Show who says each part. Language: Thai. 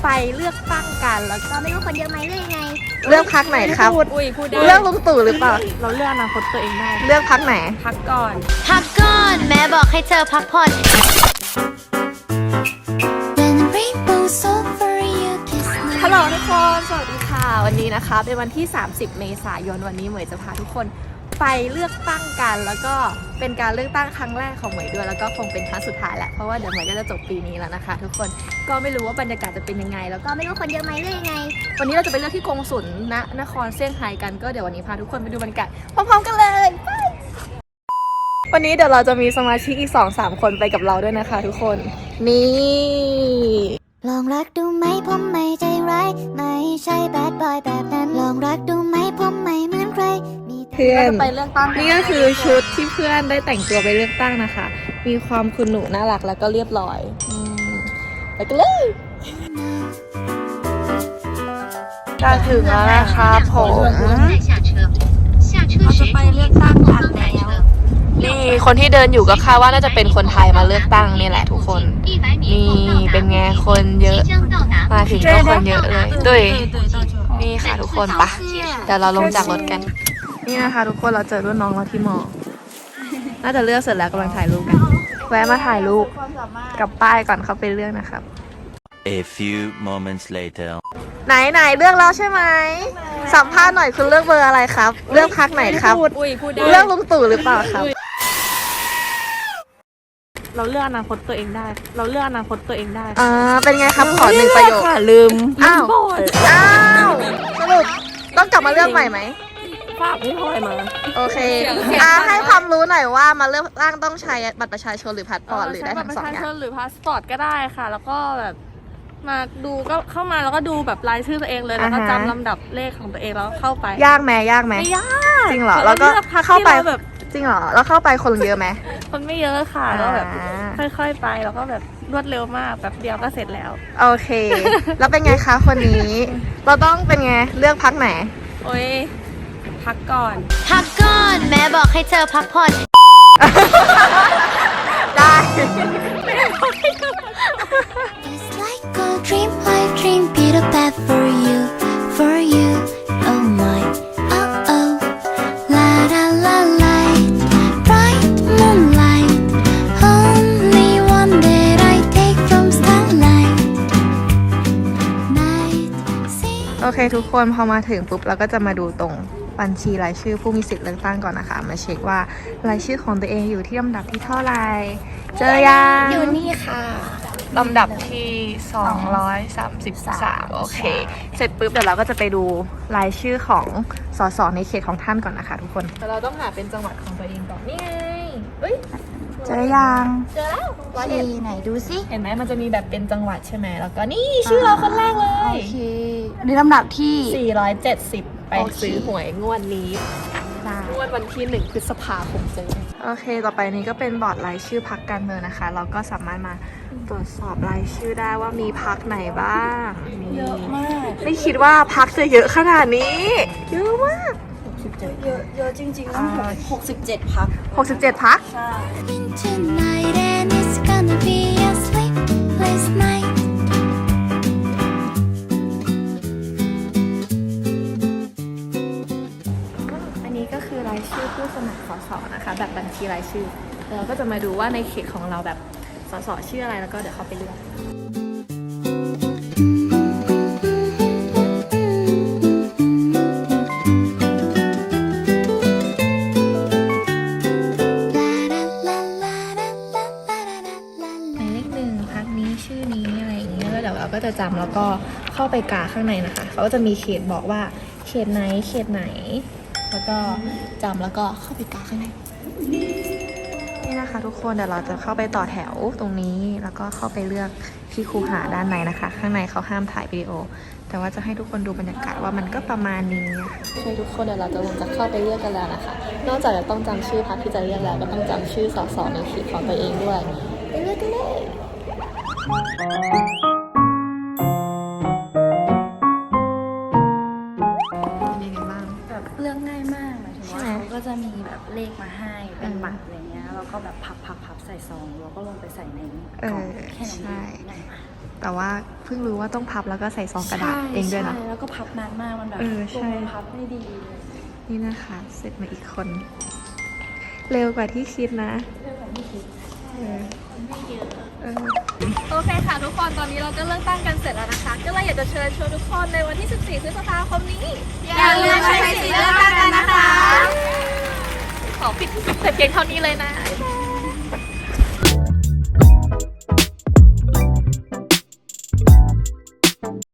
Speaker 1: ไปเลือกตั้งกันแล้วก็
Speaker 2: เราไม่รู้คนเยอะไหมหรือยังไง
Speaker 3: เลือกพักไหนครับ
Speaker 1: พูดได้
Speaker 3: เลือกลุงตู่หรือเปล่า
Speaker 1: เราเลือกอนาคตตัวเองได้
Speaker 3: เลือกพักไหน
Speaker 1: พักก่อน
Speaker 2: พักก่อนแม่บอกให้เธอพักผ่อน
Speaker 1: ฮัลโหลทุกคนสวัสดีค่ะวันนี้นะคะเป็นวันที่ 30 เมษายนวันนี้เหมยจะพาทุกคนไปเลือกตั้งกันแล้วก็เป็นการเลือกตั้งครั้งแรกของเหมยด้วยแล้วก็คงเป็นครั้งสุดท้ายแหละเพราะว่าเดี๋ยวเหมยก็จะจบปีนี้แล้วนะคะทุกคนก็ไม่รู้ว่าบรรยากาศจะเป็นยังไงแล้วก็ไม่รู้คนเยอะไหมหรือยังไงวันนี้เราจะไปเลือกที่กงสุลณนครเซี่ยงไฮ้กันก็เดี๋ยววันนี้พาทุกคนไปดูบรรยากาศพร้อมๆกันเลยวันนี้เดี๋ยวเราจะมีสมาชิกอีก 2-3 คนไปกับเราด้วยนะคะทุกคนนี่
Speaker 2: ลองรักดูไหมผมไม่ใจร้ายไม่ใช่แบดบอยแบบนั้นลองรักดูไหมผมไม่เหมือนใคร
Speaker 3: เพื่อน
Speaker 1: ไปเลือกตั้งนี่ก็คือชุดที่เพื่อนได้แต่งตัวไปเลือกตั้งนะคะมีความคุณหนูน่ารักแล้วก็เรียบร้อยไปกันเลยจะถึงแล้วนะคะผมเราจะไปเลือกตั้งกันแล้วนี่คนที่เดินอยู่ก็คาดว่าน่าจะเป็นคนไทยมาเลือกตั้งนี่แหละทุกคนนี่เป็นไงคนเยอะมาถึงก็คนเยอะเลยด้วยนี่ค่ะทุกคนปะเดี๋ยวเราลงจากรถกันนี่นะคะทุกคนเราเจอรุ่นน้องเราที่มอน่าจะเลือกเสร็จแล้วกำลังถ่ายรูปกันแวะมาถ่ายรูปกับป้ายก่อนเข้าไปเลือกนะครับ
Speaker 4: A few moments later
Speaker 3: ไหนเลือกแล้วใช่ไหมสัมภาษณ์หน่อยคุณเลือกเบอร์อะไรครับเลือกพรรคไหนครับเลือกลุงตู่หรือเปล่าครับ
Speaker 1: เราเลือกอนาคตตัวเองได้เราเลือกอนาคตตัวเองได้
Speaker 3: เป็นไงครับขอ1 ประโยค
Speaker 1: ลืม
Speaker 3: อ้าวสรุปต้องกลับมาเลือกใหม่ไหม
Speaker 1: ฝากพี่พลอยมา
Speaker 3: โอเคให้ความรู้หน่อยว่ามาเลือกตั้งต้องใช้บัตรประชาชนหรือพาสปอร์ตหรือได้ทั้ง2 อย่าง
Speaker 1: หรือพาสปอร์ตก็ได้ค่ะแล้วก็แบบมาดูก็เข้ามาแล้วก็ดูแบบรายชื่อตัวเองเลยแล้วก็จำลำดับเลขของตัวเองแล้วเข้าไป
Speaker 3: ยากไหม
Speaker 1: ไม่ยาก
Speaker 3: จริงเหรอแล้วก็เข้าไปแบบจริงเหรอแล้วเข้าไปคนเยอะไหม
Speaker 1: คนไม่เยอะค่ะแล้วแบบค่อยๆไปแล้วก็แบบรวดเร็วมากแบบเดียวก็เสร็จแล้ว
Speaker 3: โอเคแล้วเป็นไงคะคนนี้เราต้องเป็นไงเลือกพรรคไหน
Speaker 1: โอ้ยพักก่อน
Speaker 2: แม่บอกให้เธอพักผ่อน
Speaker 3: ได้
Speaker 2: It's like a dream I dream Peter Pan for you oh my oh oh la la la light bright moonlight only one that I take from starlight night see
Speaker 3: โอเคทุกคนพอมาถึงปุ๊บเราก็จะมาดูตรงบัญชีรายชื่อผู้มีสิทธิ์เลือกตั้งก่อนนะคะมาเช็คว่ารายชื่อของตัวเองอยู่ที่ลำดับที่เท่าไหร่เจอยัง
Speaker 2: อยู่นี่ค่ะ
Speaker 1: ลำดับที่233โอเคเสร็จปุ๊บเดี๋ยวเราก็จะไปดูรายชื่อของสสในเขตของท่านก่อนนะคะทุกคนเราต้องหาเป็นจังหวัดของตัวเองก่อนนี่ไงเฮ้ย
Speaker 3: เจอยัง
Speaker 1: เจอแล้ว
Speaker 2: ที่ไหนดูสิ
Speaker 1: เห็นไหมมันจะมีแบบเป็นจังหวัดใช่ไหมแล้วก็นี่ชื่อเราคนแรกเลย
Speaker 2: โอเคอันนี้ลำดับที่
Speaker 1: 470ไปซื้อหวยงวดนี้งวดวันที่1 พฤษภาคมเจอ
Speaker 3: โอเคต่อไปนี้ก็เป็นบอร์ดรายชื่อพรรคการเมืองนะคะเราก็สามารถมาตรวจสอบรายชื่อได้ว่ามีพรรคไหนบ้าง
Speaker 1: เยอะมาก
Speaker 3: ไม่คิดว่าพรรคจะเยอะขนาดนี้เยอะมาก
Speaker 1: เยอะจริงๆนะ67 พรรค
Speaker 3: 67 พรรค
Speaker 1: ใช่รายชื่อผู้สมัครสสนะคะแบบบัญชีรายชื่อเราก็จะมาดูว่าในเขตของเราแบบสสชื่ออะไรแล้วก็เดี๋ยวเขาไปเลือกหมายเลข1พรรคนี้ชื่อนี้อะไรอย่างเงี้ยแล้วเดี๋ยวเราก็จะจำแล้วก็เข้าไปกาข้างในนะคะเขาก็จะมีเขตบอกว่าเขตไหนแล้วก็จำแล้วก็เข้าไปกาข้างใน
Speaker 3: นี่นะคะทุกคนเดี๋ยวเราจะเข้าไปต่อแถวตรงนี้แล้วก็เข้าไปเลือกที่คูหาด้านในนะคะข้างในเขาห้ามถ่ายวิดีโอแต่ว่าจะให้ทุกคนดูบรรยากาศว่ามันก็ประมาณนี้
Speaker 1: ใช่ทุกคนเดี๋ยวเราจะเข้าไปเลือกกันแล้วนะคะนอกจากจะต้องจำชื่อพรรคที่จะเลือกแล้วก็ต้องจำชื่อสสในเขตของตัวเองด้วยไปเลือกกันเลย
Speaker 5: เรื่องง่ายมากหมายถึงว่าเขาก็จะมีแบบเลขมาให้เป็นบัตรอะไรเงี้ยแล้วก็แบบพับใส่ซองแล้วก็ลงไปใส่ในกล่องแค่นั้นเอง
Speaker 3: แต่ว่าเพิ่งรู้ว่าต้องพับแล้วก็ใส่ซองกระดาษเองด้วยนะ
Speaker 5: ใช่แล้วก็พับนานมากมันแบบ
Speaker 3: ใช่
Speaker 5: พับไม่ดีเลย
Speaker 3: นี่นะคะ เสร็จมาอีกคน เร็วกว่าที่คิดนะ
Speaker 5: เรื่องของพี่คิด
Speaker 3: เออ
Speaker 5: ไม่เยอะ
Speaker 3: เออ
Speaker 1: โอเคค่ะทุกคนตอนนี้เราก็เลือกตั้งกันเสร็จแล้วนะคะ ก็เลยอยากจะเชิญชวนทุกคนในวันที่ 14 พฤษภาคมนี้ อย่าลืมใช้สิทธิ์เลือกตั้งกันนะคะ ขอปิดแต่เพียงเท่านี้เลยนะบ๊ายบาย